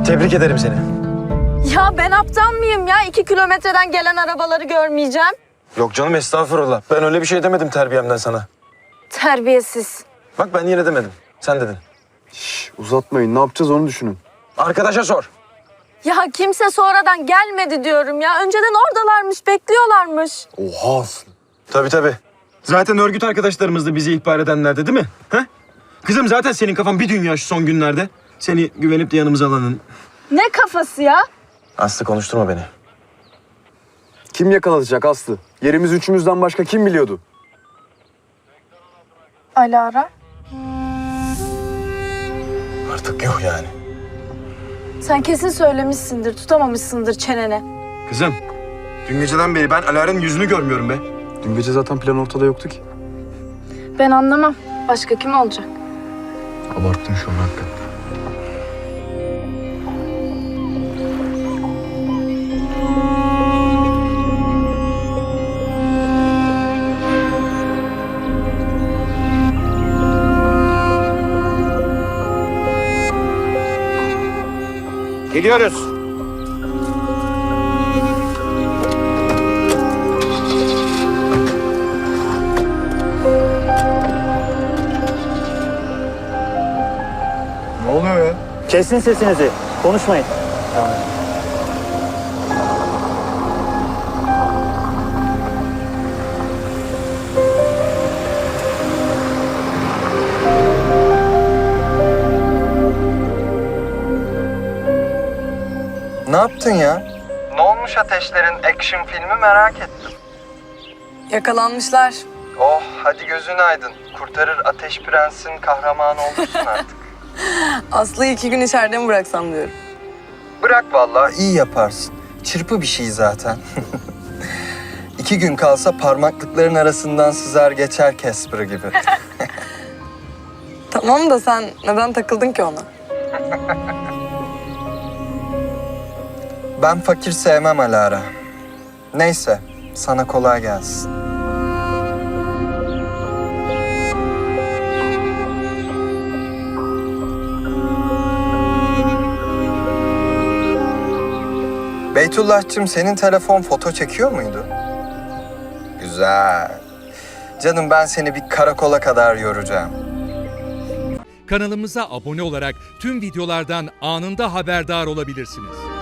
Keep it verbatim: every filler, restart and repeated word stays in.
Tebrik ederim seni. Ya ben aptal mıyım ya? İki kilometreden gelen arabaları görmeyeceğim. Yok canım, estağfurullah. Ben öyle bir şey demedim terbiyemden sana. Terbiyesiz. Bak ben yine demedim. Sen dedin. Şş, uzatmayın. Ne yapacağız onu düşünün. Arkadaşa sor. Ya kimse sonradan gelmedi diyorum ya. Önceden oradalarmış, bekliyorlarmış. Oha Aslı. Tabii tabii. Zaten örgüt arkadaşlarımız da bizi ihbar edenlerdi değil mi? Ha? Kızım zaten senin kafan bir dünya şu son günlerde. Seni güvenip de yanımıza alanın. Ne kafası ya? Aslı konuşturma beni. Kim yakalatacak Aslı? Yerimiz üçümüzden başka kim biliyordu? Alara. Artık yok yani. Sen kesin söylemişsindir, tutamamışsındır çenene. Kızım, dün geceden beri ben Alara'nın yüzünü görmüyorum be. Dün gece zaten plan ortada yoktu ki. Ben anlamam. Başka kim olacak? Abarttın şu an hakikaten. Geliyoruz. Ne oluyor ya? Kesin sesinizi. Konuşmayın. Ne yaptın ya? Ne olmuş Ateşler'in action filmi merak ettim. Yakalanmışlar. Oh hadi gözün aydın. Kurtarır Ateş Prens'in kahramanı olursun artık. Aslı'yı iki gün içeride mi bıraksam diyorum. Bırak vallahi iyi yaparsın. Çırpı bir şey zaten. İki gün kalsa parmaklıkların arasından sızar geçer Casper gibi. Tamam da sen neden takıldın ki ona? Ben fakir sevmem Alara. Neyse sana kolay gelsin. Beytullah'cığım senin telefon foto çekiyor muydu? Güzel. Canım ben seni bir karakola kadar yoracağım. Kanalımıza abone olarak tüm videolardan anında haberdar olabilirsiniz.